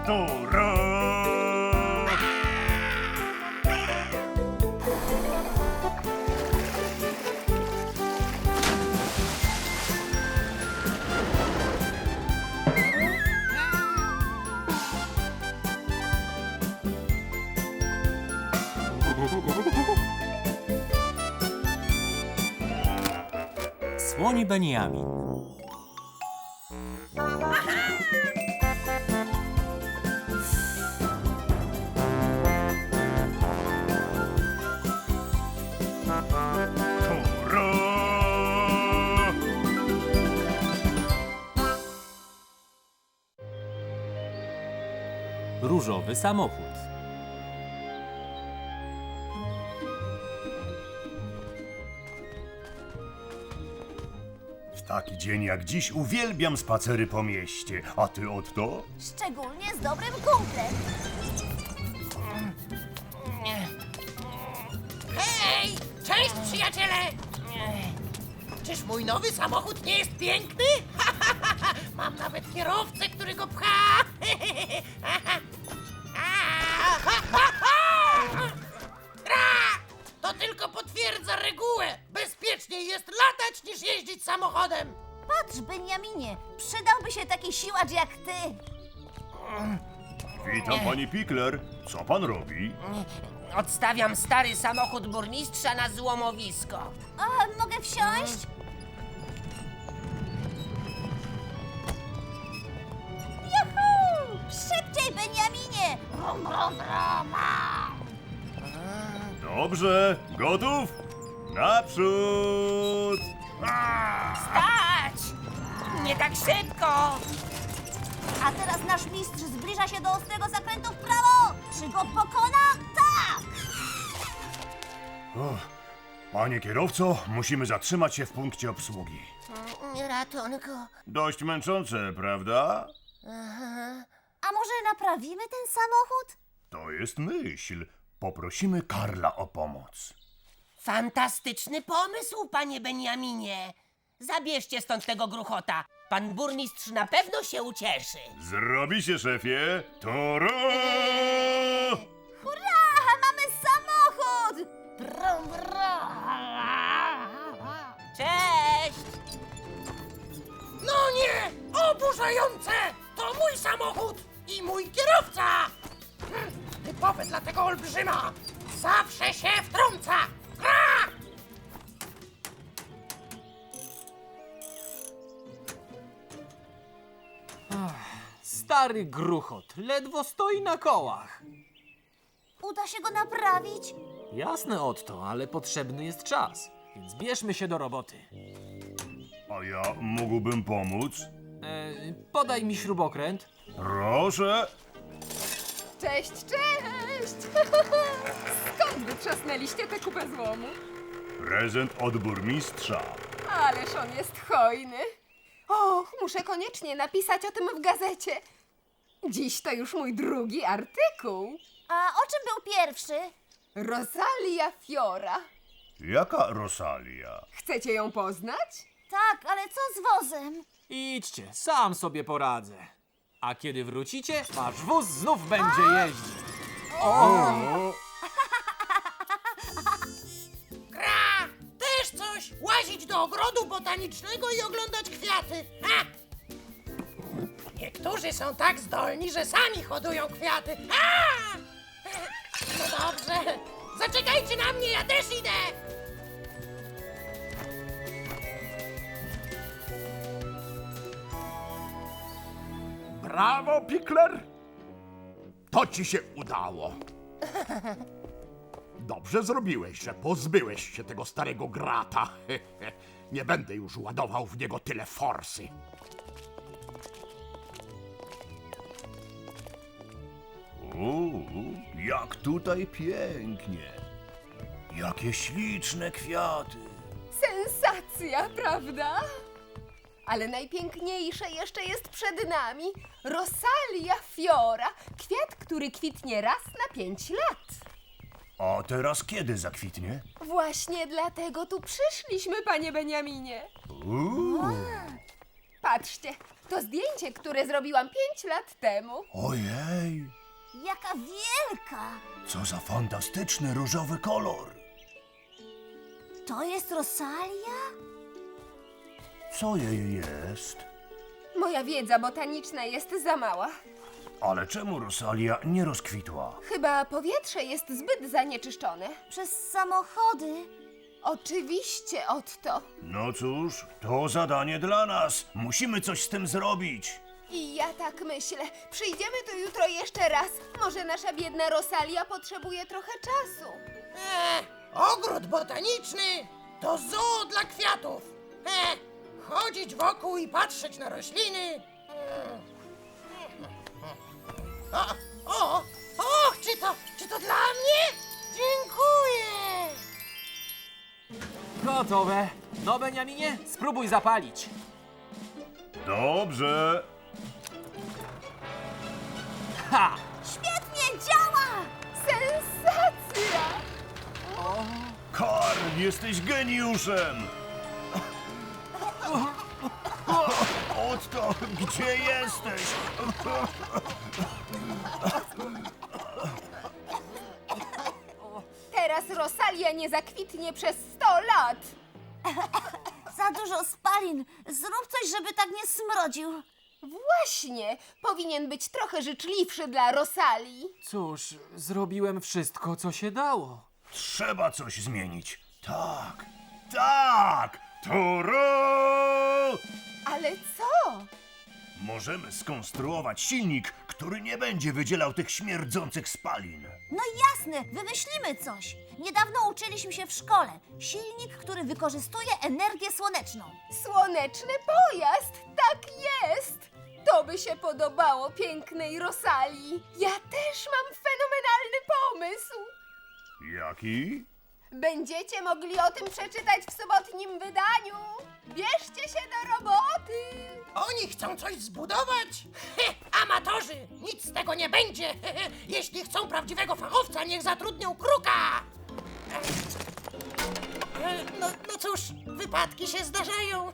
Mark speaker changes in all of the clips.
Speaker 1: Toro!
Speaker 2: Słoni Beniamin.
Speaker 1: Toro!
Speaker 2: Różowy samochód.
Speaker 1: W taki dzień jak dziś uwielbiam spacery po mieście. A ty, Otto?
Speaker 3: Szczególnie z dobrym kumplem.
Speaker 4: Hej! Cześć, przyjaciele! Czyż mój nowy samochód nie jest piękny? Mam nawet kierowcę, który go pcha! To tylko potwierdza regułę! Bezpieczniej jest latać niż jeździć samochodem!
Speaker 3: Patrz, Beniaminie, przydałby się taki siłacz jak ty.
Speaker 1: Witam, pani Pikler. Co pan robi?
Speaker 4: Odstawiam stary samochód burmistrza na złomowisko.
Speaker 3: A, mogę wsiąść? Juhu! Szybciej, Beniaminie! Brum, brum, brum.
Speaker 1: Dobrze. Gotów? Naprzód!
Speaker 4: Stać! Nie tak szybko!
Speaker 3: A teraz nasz mistrz zbliża się do ostrego zakrętu w prawo. Czy go pokona? Tak!
Speaker 1: Panie kierowco, musimy zatrzymać się w punkcie obsługi.
Speaker 4: Ratunku.
Speaker 1: Dość męczące, prawda?
Speaker 3: A może naprawimy ten samochód?
Speaker 1: To jest myśl. Poprosimy Karla o pomoc.
Speaker 4: Fantastyczny pomysł, panie Beniaminie. Zabierzcie stąd tego gruchota. Pan burmistrz na pewno się ucieszy.
Speaker 1: Zrobi się, szefie. Toro!
Speaker 3: Hurra! Mamy samochód! Brum, brum.
Speaker 4: Cześć! No nie! Oburzające! To mój samochód i mój kierowca! Typowe dla tego olbrzyma! Zawsze się wtrąca! Gra!
Speaker 2: Stary gruchot. Ledwo stoi na kołach.
Speaker 3: Uda się go naprawić?
Speaker 2: Jasne, Otto, ale potrzebny jest czas. Więc bierzmy się do roboty.
Speaker 1: A ja mógłbym pomóc?
Speaker 2: Podaj mi śrubokręt.
Speaker 1: Proszę.
Speaker 5: Cześć, cześć! Skąd wytrzasnęliście tę kupę złomu?
Speaker 1: Prezent od burmistrza.
Speaker 5: Ależ on jest hojny. Och, muszę koniecznie napisać o tym w gazecie. Dziś to już mój drugi artykuł.
Speaker 3: A o czym był pierwszy?
Speaker 5: Rosalia Fiora.
Speaker 1: Jaka Rosalia?
Speaker 5: Chcecie ją poznać?
Speaker 3: Tak, ale co z wozem?
Speaker 2: Idźcie, sam sobie poradzę. A kiedy wrócicie, wasz wóz znów będzie jeździć.
Speaker 4: Gra! Też coś! Łazić do ogrodu botanicznego i oglądać kwiaty! Ha! Niektórzy są tak zdolni, że sami hodują kwiaty. A! No dobrze. Zaczekajcie na mnie, ja też idę!
Speaker 6: Brawo, Pikler! To ci się udało. Dobrze zrobiłeś, że pozbyłeś się tego starego grata. Nie będę już ładował w niego tyle forsy.
Speaker 1: Jak tutaj pięknie. Jakie śliczne kwiaty.
Speaker 5: Sensacja, prawda? Ale najpiękniejsze jeszcze jest przed nami. Rosalia Fiora. Kwiat, który kwitnie raz na 5 lat.
Speaker 1: A teraz kiedy zakwitnie?
Speaker 5: Właśnie dlatego tu przyszliśmy, panie Beniaminie. Patrzcie, To zdjęcie, które zrobiłam 5 lat temu.
Speaker 1: Ojej,
Speaker 3: Jaka wielka!
Speaker 1: co za fantastyczny różowy kolor.
Speaker 3: To jest Rosalia?
Speaker 1: Co jej jest?
Speaker 5: Moja wiedza botaniczna jest za mała.
Speaker 1: Ale czemu Rosalia nie rozkwitła?
Speaker 5: Chyba powietrze jest zbyt zanieczyszczone.
Speaker 3: Przez samochody.
Speaker 5: Oczywiście, Otto.
Speaker 1: No cóż, to zadanie dla nas. Musimy coś z tym zrobić.
Speaker 5: I ja tak myślę. Przyjdziemy tu jutro jeszcze raz. Może nasza biedna Rosalia potrzebuje trochę czasu.
Speaker 4: Ogród botaniczny to zoo dla kwiatów. Chodzić wokół i patrzeć na rośliny. Och, czy to dla mnie? Dziękuję.
Speaker 2: Gotowe. No, Beniaminie, spróbuj zapalić.
Speaker 1: Dobrze.
Speaker 2: Ha!
Speaker 3: Świetnie działa!
Speaker 5: Sensacja!
Speaker 1: Karl, jesteś geniuszem! Otto, gdzie jesteś?
Speaker 5: Teraz Rosalia nie zakwitnie przez 100 lat.
Speaker 3: Za dużo spalin. Zrób coś, żeby tak nie smrodził.
Speaker 5: Właśnie, powinien być trochę życzliwszy dla Rosalii.
Speaker 2: Cóż, zrobiłem wszystko, co się dało.
Speaker 1: Trzeba coś zmienić. Tak, tak! Toro!
Speaker 5: Ale co?
Speaker 1: Możemy skonstruować silnik, który nie będzie wydzielał tych śmierdzących spalin.
Speaker 3: No jasne, wymyślimy coś. Niedawno uczyliśmy się w szkole. Silnik, który wykorzystuje energię słoneczną.
Speaker 5: Słoneczny pojazd, tak jest! To by się podobało pięknej Rosalii. Ja też mam fenomenalny pomysł.
Speaker 1: Jaki?
Speaker 5: Będziecie mogli o tym przeczytać w sobotnim wydaniu. Bierzcie się do roboty.
Speaker 4: Oni chcą coś zbudować? Amatorzy! Nic z tego nie będzie! Jeśli chcą prawdziwego fachowca, niech zatrudnią kruka! No cóż, wypadki się zdarzają.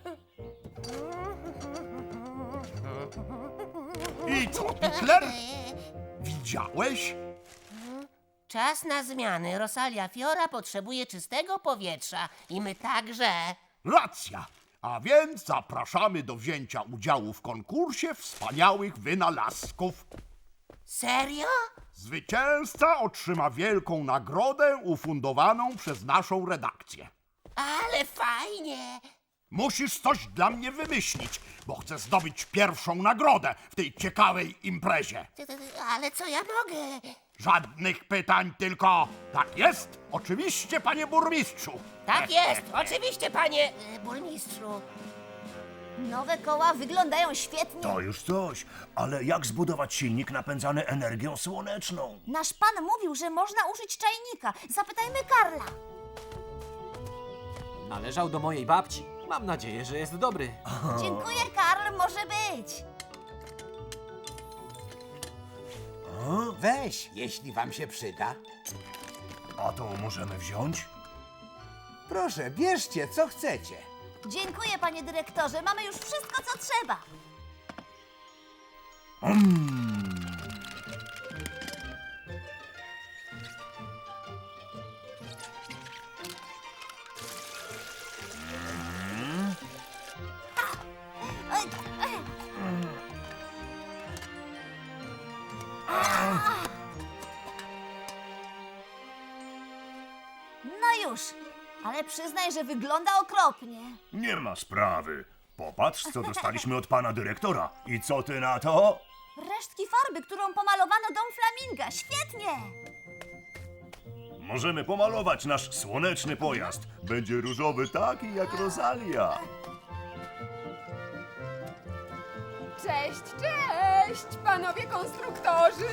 Speaker 6: I co, Hitler? Widziałeś?
Speaker 7: Czas na zmiany. Rosalia Fiora potrzebuje czystego powietrza. I my także.
Speaker 6: Racja. A więc zapraszamy do wzięcia udziału w konkursie wspaniałych wynalazków.
Speaker 7: Serio?
Speaker 6: Zwycięzca otrzyma wielką nagrodę ufundowaną przez naszą redakcję.
Speaker 7: Ale fajnie.
Speaker 6: Musisz coś dla mnie wymyślić, bo chcę zdobyć pierwszą nagrodę w tej ciekawej imprezie.
Speaker 7: Ale co ja mogę?
Speaker 6: Żadnych pytań, tylko tak jest? Oczywiście, panie burmistrzu.
Speaker 7: Tak jest, oczywiście, panie burmistrzu.
Speaker 3: Nowe koła wyglądają świetnie.
Speaker 1: To już coś, ale jak zbudować silnik napędzany energią słoneczną?
Speaker 3: Nasz pan mówił, że można użyć czajnika. Zapytajmy Karla.
Speaker 2: Należał do mojej babci. Mam nadzieję, że jest dobry.
Speaker 3: Dziękuję, Karl, może być.
Speaker 8: Weź, jeśli wam się przyda.
Speaker 1: A to możemy wziąć?
Speaker 8: Proszę, bierzcie, co chcecie.
Speaker 3: Dziękuję, panie dyrektorze. Mamy już wszystko, co trzeba. Oj, No już, ale przyznaj, że wygląda okropnie.
Speaker 1: Nie ma sprawy. Popatrz, co dostaliśmy od pana dyrektora. I co ty na to?
Speaker 3: Resztki farby, którą pomalowano dom flaminga. Świetnie!
Speaker 1: Możemy pomalować nasz słoneczny pojazd. Będzie różowy taki jak Rosalia.
Speaker 5: Cześć, cześć, panowie konstruktorzy.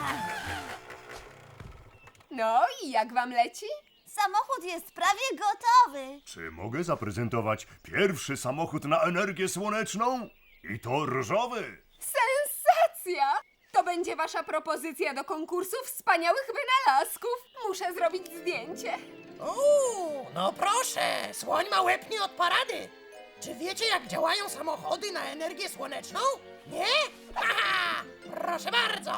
Speaker 5: No i jak wam leci?
Speaker 3: Samochód jest prawie gotowy.
Speaker 1: Czy mogę zaprezentować pierwszy samochód na energię słoneczną? I to różowy.
Speaker 5: Sensacja! To będzie wasza propozycja do konkursu wspaniałych wynalazków. Muszę zrobić zdjęcie.
Speaker 4: No proszę, słoń ma łeb nie od parady. Czy wiecie, jak działają samochody na energię słoneczną? Nie? Haha! Proszę bardzo!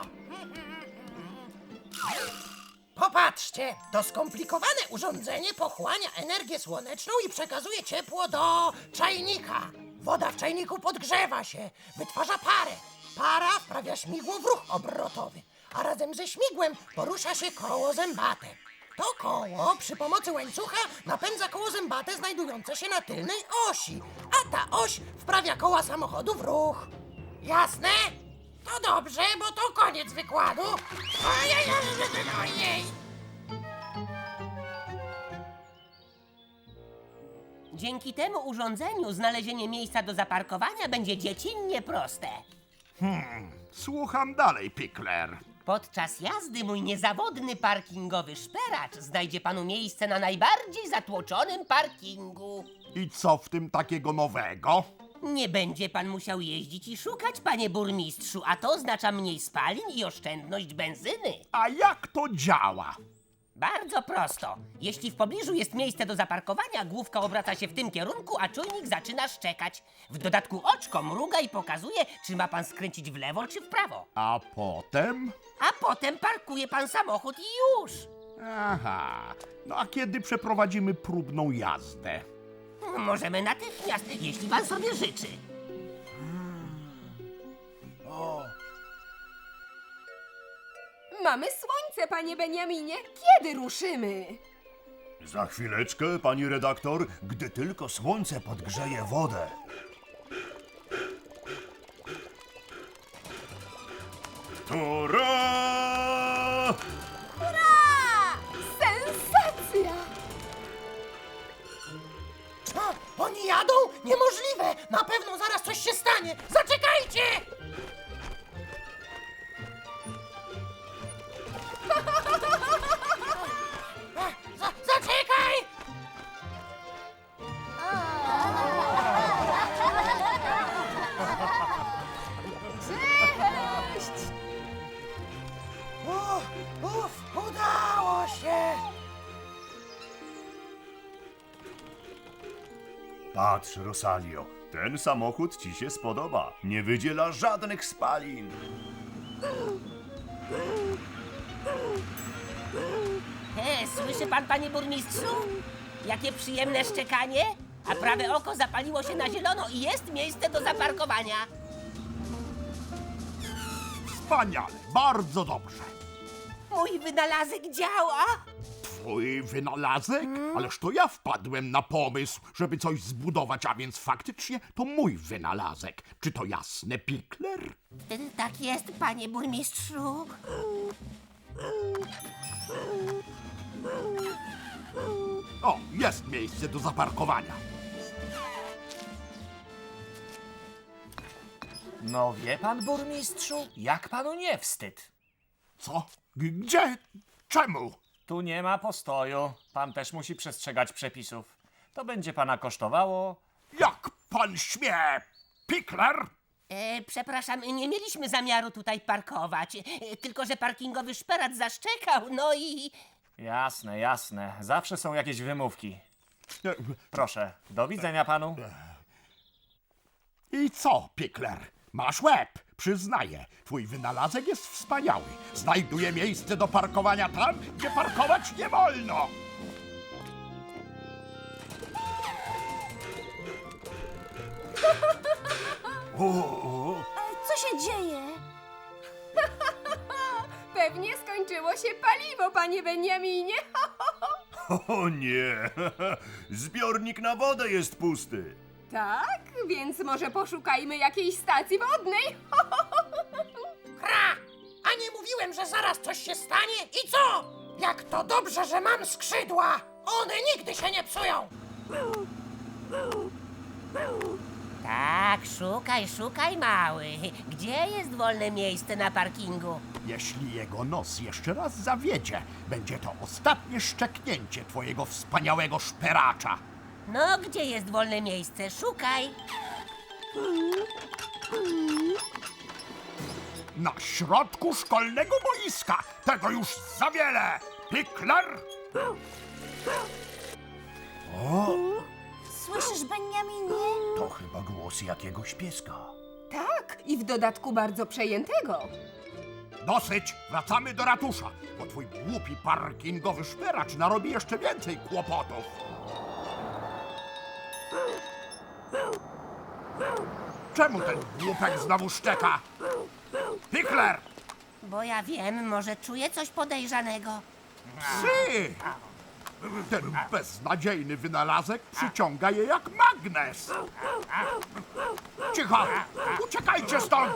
Speaker 4: Popatrzcie, to skomplikowane urządzenie pochłania energię słoneczną i przekazuje ciepło do czajnika. Woda w czajniku podgrzewa się, wytwarza parę. Para wprawia śmigło w ruch obrotowy, a razem ze śmigłem porusza się koło zębate. To koło przy pomocy łańcucha napędza koło zębate znajdujące się na tylnej osi, a ta oś wprawia koła samochodu w ruch. Jasne? To dobrze, bo to koniec wykładu. Ojej.
Speaker 7: Dzięki temu urządzeniu znalezienie miejsca do zaparkowania będzie dziecinnie proste.
Speaker 6: Słucham dalej, Pickler.
Speaker 7: Podczas jazdy mój niezawodny parkingowy szperacz znajdzie panu miejsce na najbardziej zatłoczonym parkingu.
Speaker 6: I co w tym takiego nowego?
Speaker 7: Nie będzie pan musiał jeździć i szukać, panie burmistrzu, a to oznacza mniej spalin i oszczędność benzyny.
Speaker 6: A jak to działa?
Speaker 7: Bardzo prosto. Jeśli w pobliżu jest miejsce do zaparkowania, główka obraca się w tym kierunku, a czujnik zaczyna szczekać. W dodatku oczko mruga i pokazuje, czy ma pan skręcić w lewo czy w prawo.
Speaker 6: A potem?
Speaker 7: A potem parkuje pan samochód i już.
Speaker 6: Aha. No a kiedy przeprowadzimy próbną jazdę?
Speaker 7: Możemy natychmiast, jeśli pan sobie życzy.
Speaker 5: Mamy słońce, panie Beniaminie. Kiedy ruszymy?
Speaker 1: Za chwileczkę, pani redaktor, gdy tylko słońce podgrzeje wodę. Hurra!
Speaker 5: Sensacja!
Speaker 4: Oni jadą? Niemożliwe! Na pewno zaraz coś się stanie! Zaczekajcie! Zaczekaj!
Speaker 5: Cześć!
Speaker 4: Udało się!
Speaker 1: Patrz, Rosalio, ten samochód ci się spodoba. Nie wydziela żadnych spalin.
Speaker 7: Słyszy pan, panie burmistrzu? Jakie przyjemne szczekanie? A prawe oko zapaliło się na zielono i jest miejsce do zaparkowania.
Speaker 6: Wspaniale, bardzo dobrze.
Speaker 7: Mój wynalazek działa.
Speaker 6: Twój wynalazek? Ależ to ja wpadłem na pomysł, żeby coś zbudować, a więc faktycznie to mój wynalazek. Czy to jasne, Pickler?
Speaker 7: Tak jest, panie burmistrzu.
Speaker 6: O, jest miejsce do zaparkowania.
Speaker 2: No wie pan, burmistrzu, jak panu nie wstyd?
Speaker 6: Co? Gdzie? Czemu?
Speaker 2: Tu nie ma postoju. Pan też musi przestrzegać przepisów. To będzie pana kosztowało...
Speaker 6: Jak pan śmie? Pickler?
Speaker 7: Przepraszam, nie mieliśmy zamiaru tutaj parkować. Tylko że parkingowy szperacz zaszczekał, no i...
Speaker 2: Jasne, jasne. Zawsze są jakieś wymówki. Proszę, do widzenia panu.
Speaker 6: I co, Pickler? Masz łeb, przyznaję. Twój wynalazek jest wspaniały. Znajduje miejsce do parkowania tam, gdzie parkować nie wolno.
Speaker 3: Co się dzieje?
Speaker 5: Pewnie skończyło się paliwo, panie Beniaminie.
Speaker 1: O nie! Zbiornik na wodę jest pusty.
Speaker 5: Tak, więc może poszukajmy jakiejś stacji wodnej.
Speaker 4: Kra! A nie mówiłem, że zaraz coś się stanie? I co? Jak to dobrze, że mam skrzydła! One nigdy się nie psują!
Speaker 7: Tak, szukaj, mały. Gdzie jest wolne miejsce na parkingu?
Speaker 6: Jeśli jego nos jeszcze raz zawiedzie, będzie to ostatnie szczeknięcie twojego wspaniałego szperacza.
Speaker 7: No, gdzie jest wolne miejsce? Szukaj.
Speaker 6: Na środku szkolnego boiska. Tego już za wiele. Pickler?
Speaker 3: Słyszysz, Beniaminie?
Speaker 1: To chyba głos jakiegoś pieska.
Speaker 5: Tak, i w dodatku bardzo przejętego.
Speaker 6: Dosyć, wracamy do ratusza, bo twój głupi parkingowy szperacz narobi jeszcze więcej kłopotów. Czemu ten głupek znowu szczeka? Pikler!
Speaker 7: Bo ja wiem, może czuję coś podejrzanego.
Speaker 6: Psy! Ten beznadziejny wynalazek przyciąga je jak magnes. Cicho! Uciekajcie stąd!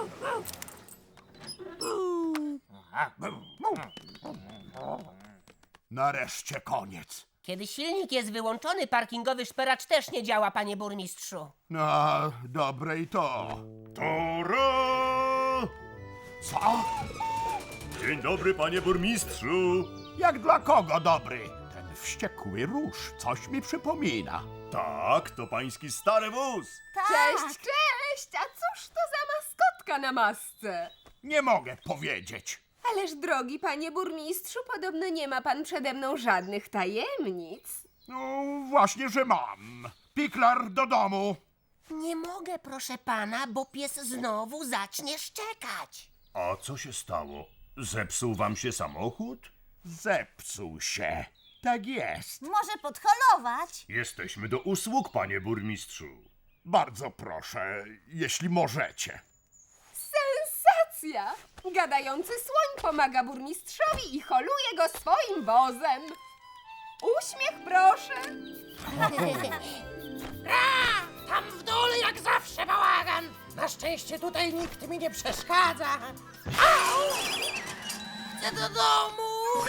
Speaker 6: Nareszcie koniec.
Speaker 7: Kiedy silnik jest wyłączony, parkingowy szperacz też nie działa, panie burmistrzu.
Speaker 6: No, dobre i to.
Speaker 1: Tora!
Speaker 6: Co?
Speaker 1: Dzień dobry, panie burmistrzu.
Speaker 6: Jak dla kogo dobry? Ten wściekły róż coś mi przypomina.
Speaker 1: Tak, to pański stary wóz.
Speaker 3: Tak.
Speaker 5: Cześć, cześć! A cóż to za maskotka na masce?
Speaker 6: Nie mogę powiedzieć.
Speaker 5: Ależ drogi panie burmistrzu, podobno nie ma pan przede mną żadnych tajemnic.
Speaker 6: No, właśnie, że mam. Pikler do domu.
Speaker 7: Nie mogę, proszę pana, bo pies znowu zacznie szczekać.
Speaker 1: A co się stało? Zepsuł wam się samochód?
Speaker 6: Zepsuł się. Tak jest.
Speaker 3: Może podholować?
Speaker 1: Jesteśmy do usług, panie burmistrzu.
Speaker 6: Bardzo proszę, jeśli możecie.
Speaker 5: Sensacja! Gadający słoń pomaga burmistrzowi i holuje go swoim wozem. Uśmiech proszę.
Speaker 4: Tam w dole jak zawsze bałagan. Na szczęście tutaj nikt mi nie przeszkadza. Au! Chcę do domu.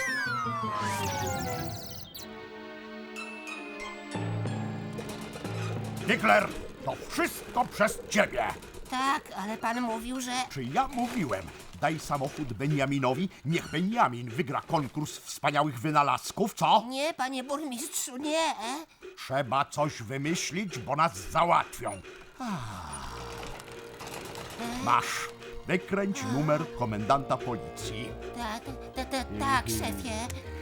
Speaker 6: Pikler, to wszystko przez ciebie.
Speaker 7: Tak, ale pan mówił, że...
Speaker 6: Czy ja mówiłem? Daj samochód Beniaminowi, niech Beniamin wygra konkurs wspaniałych wynalazków, co?
Speaker 7: Nie, panie burmistrzu, nie.
Speaker 6: Trzeba coś wymyślić, bo nas załatwią. Masz. Wykręć numer komendanta policji.
Speaker 7: Tak, szefie.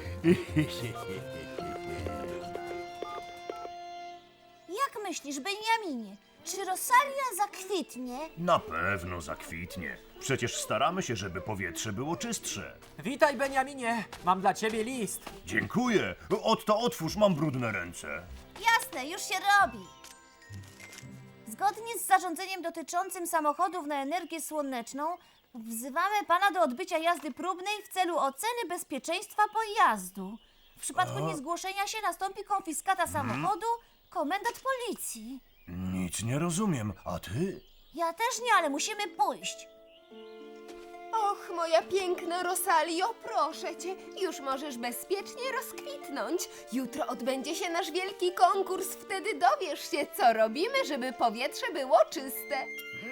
Speaker 3: Jak myślisz, Beniaminie? Czy Rosalia zakwitnie?
Speaker 1: Na pewno zakwitnie. Przecież staramy się, żeby powietrze było czystsze.
Speaker 2: Witaj, Beniaminie! Mam dla ciebie list.
Speaker 1: Dziękuję. Otto, otwórz, mam brudne ręce.
Speaker 3: Jasne, już się robi. Zgodnie z zarządzeniem dotyczącym samochodów na energię słoneczną, wzywamy pana do odbycia jazdy próbnej w celu oceny bezpieczeństwa pojazdu. W przypadku niezgłoszenia się nastąpi konfiskata samochodu, komendant policji.
Speaker 1: Nic nie rozumiem. A ty?
Speaker 3: Ja też nie, ale musimy pójść.
Speaker 5: Och, moja piękna Rosalio, proszę cię, już możesz bezpiecznie rozkwitnąć. Jutro odbędzie się nasz wielki konkurs, wtedy dowiesz się, co robimy, żeby powietrze było czyste.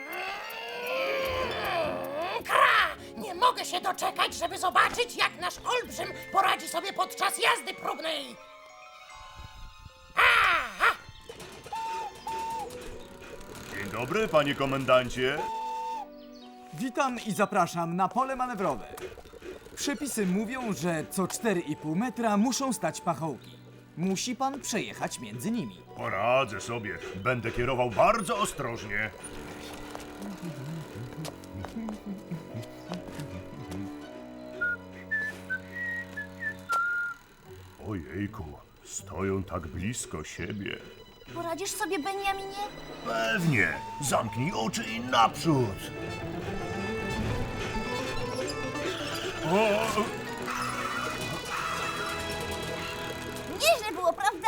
Speaker 4: Kra! Nie mogę się doczekać, żeby zobaczyć, jak nasz olbrzym poradzi sobie podczas jazdy próbnej.
Speaker 1: Dzień dobry, panie komendancie.
Speaker 9: Witam i zapraszam na pole manewrowe. Przepisy mówią, że co 4,5 metra muszą stać pachołki. Musi pan przejechać między nimi.
Speaker 1: Poradzę sobie. Będę kierował bardzo ostrożnie. Ojejku, stoją tak blisko siebie.
Speaker 3: Poradzisz sobie, Beniaminie?
Speaker 1: Pewnie. Zamknij oczy i naprzód. O,
Speaker 3: Nieźle było, prawda?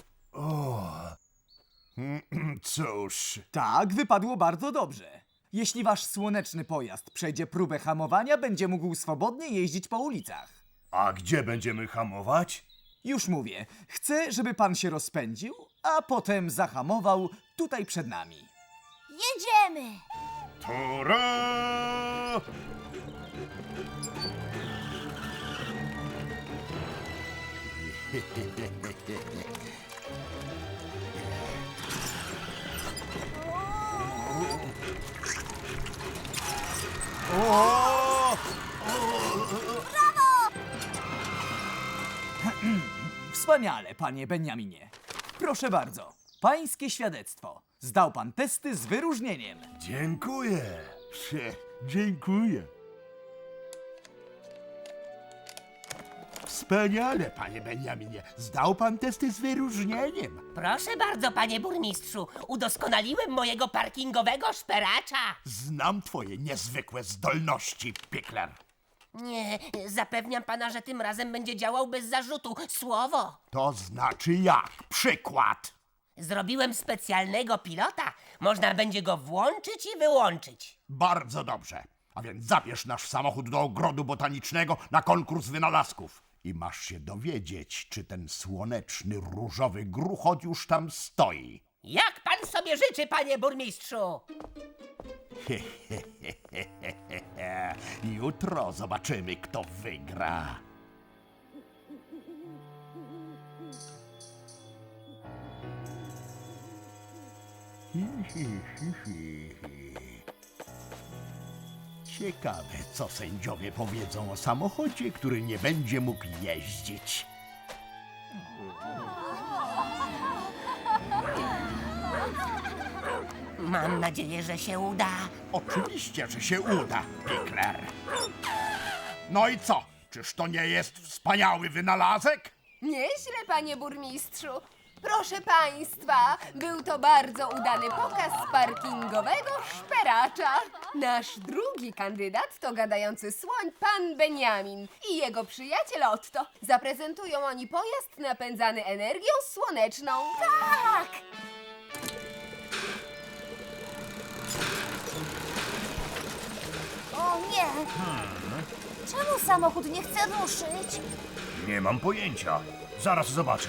Speaker 1: cóż,
Speaker 9: Tak, wypadło bardzo dobrze. Jeśli wasz słoneczny pojazd przejdzie próbę hamowania, będzie mógł swobodnie jeździć po ulicach.
Speaker 1: a gdzie będziemy hamować?
Speaker 9: Już mówię, chcę, żeby pan się rozpędził, a potem zahamował tutaj przed nami.
Speaker 3: Jedziemy!
Speaker 1: Tora!
Speaker 9: Wspaniale, panie Beniaminie. Proszę bardzo. pańskie świadectwo. Zdał pan testy z wyróżnieniem.
Speaker 1: Dziękuję.
Speaker 6: Dziękuję. Wspaniale, panie Beniaminie. Zdał pan testy z wyróżnieniem.
Speaker 7: Proszę bardzo, panie burmistrzu, udoskonaliłem mojego parkingowego szperacza.
Speaker 6: Znam twoje niezwykłe zdolności, Pikler.
Speaker 7: Nie, zapewniam pana, że tym razem będzie działał bez zarzutu. Słowo.
Speaker 6: To znaczy jak? Przykład.
Speaker 7: Zrobiłem specjalnego pilota. Można będzie go włączyć i wyłączyć.
Speaker 6: Bardzo dobrze. A więc zabierz nasz samochód do ogrodu botanicznego na konkurs wynalazków. I masz się dowiedzieć, czy ten słoneczny, różowy gruchot już tam stoi.
Speaker 7: Jak pan sobie życzy, panie burmistrzu?
Speaker 6: Jutro zobaczymy, kto wygra. Ciekawe, co sędziowie powiedzą o samochodzie, który nie będzie mógł jeździć.
Speaker 7: Mam nadzieję, że się uda.
Speaker 6: Oczywiście, że się uda, Pikler. No i co? Czyż to nie jest wspaniały wynalazek?
Speaker 5: Nieźle, panie burmistrzu. Proszę państwa, był to bardzo udany pokaz parkingowego szperacza. Nasz drugi kandydat to gadający słoń pan Beniamin i jego przyjaciel Otto. Zaprezentują oni pojazd napędzany energią słoneczną.
Speaker 3: Tak! O nie! Czemu samochód nie chce ruszyć?
Speaker 1: Nie mam pojęcia. Zaraz zobaczę.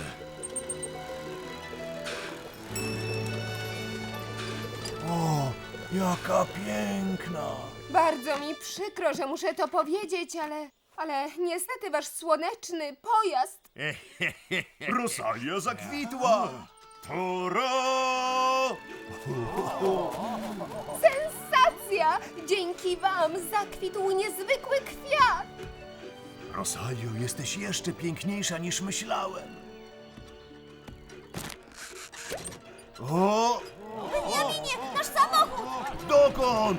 Speaker 1: O, jaka piękna.
Speaker 5: Bardzo mi przykro, że muszę to powiedzieć, ale niestety wasz słoneczny pojazd...
Speaker 1: Rosalia zakwitła. Toro!
Speaker 5: Sensacja! Dzięki wam zakwitł niezwykły kwiat!
Speaker 1: Rosalio, jesteś jeszcze piękniejsza niż myślałem. O!
Speaker 3: Beniaminie, nasz samochód!
Speaker 1: Dokąd?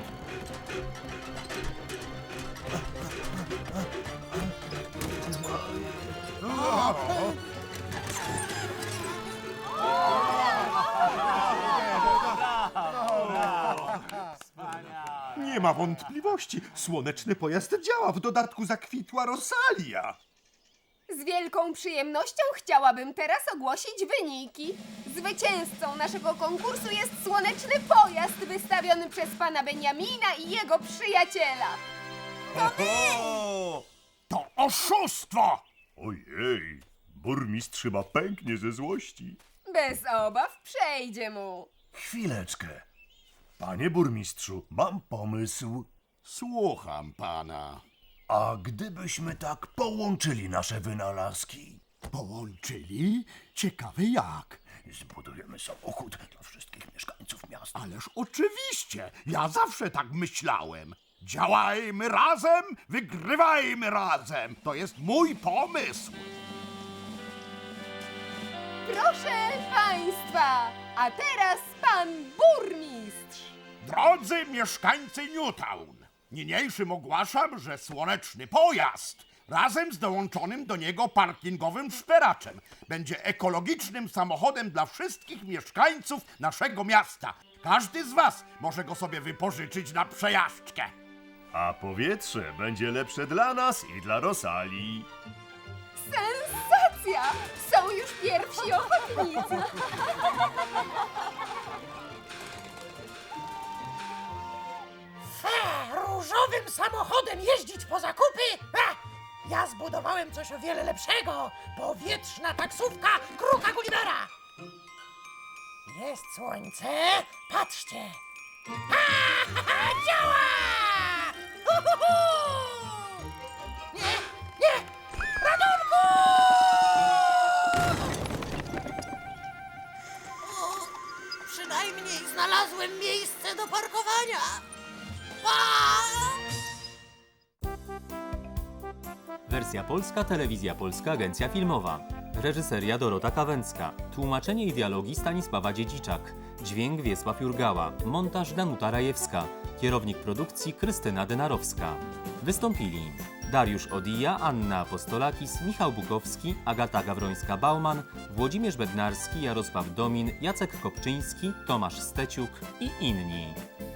Speaker 6: Nie ma wątpliwości. Słoneczny pojazd działa. W dodatku zakwitła Rosalia.
Speaker 5: Z wielką przyjemnością chciałabym teraz ogłosić wyniki. Zwycięzcą naszego konkursu jest słoneczny pojazd wystawiony przez pana Beniamina i jego przyjaciela.
Speaker 1: O!
Speaker 6: To oszustwo!
Speaker 1: Ojej, burmistrz chyba pęknie ze złości.
Speaker 5: Bez obaw przejdzie mu.
Speaker 1: Chwileczkę. Panie burmistrzu, mam pomysł.
Speaker 6: Słucham pana.
Speaker 1: A gdybyśmy tak połączyli nasze wynalazki?
Speaker 6: Połączyli? Ciekawe jak.
Speaker 1: Zbudujemy samochód dla wszystkich mieszkańców miasta.
Speaker 6: Ależ oczywiście. Ja zawsze tak myślałem. Działajmy razem, wygrywajmy razem. To jest mój pomysł.
Speaker 5: Proszę państwa, a teraz pan burmistrz.
Speaker 6: Drodzy mieszkańcy Newtown, niniejszym ogłaszam, że słoneczny pojazd razem z dołączonym do niego parkingowym szperaczem będzie ekologicznym samochodem dla wszystkich mieszkańców naszego miasta. Każdy z was może go sobie wypożyczyć na przejażdżkę.
Speaker 1: A powietrze będzie lepsze dla nas i dla Rosalii.
Speaker 5: Sensacja! Są już pierwsi ochotnicy.
Speaker 4: Różowym samochodem jeździć po zakupy? Ja zbudowałem coś o wiele lepszego. Powietrzna taksówka Kruka Gullivera. Jest słońce. Patrzcie. Działa! Nie, nie! Ratunku! Przynajmniej znalazłem miejsce do parkowania.
Speaker 2: Wersja polska, Telewizja Polska, Agencja Filmowa.
Speaker 10: Reżyseria Dorota Kawęcka. Tłumaczenie i dialogi Stanisława Dziedziczak. Dźwięk Wiesław Jurgała. Montaż Danuta Rajewska. Kierownik produkcji Krystyna Denarowska. Wystąpili Dariusz Odija, Anna Apostolakis, Michał Bukowski, Agata Gawrońska-Bauman, Włodzimierz Bednarski, Jarosław Domin, Jacek Kopczyński, Tomasz Steciuk i inni.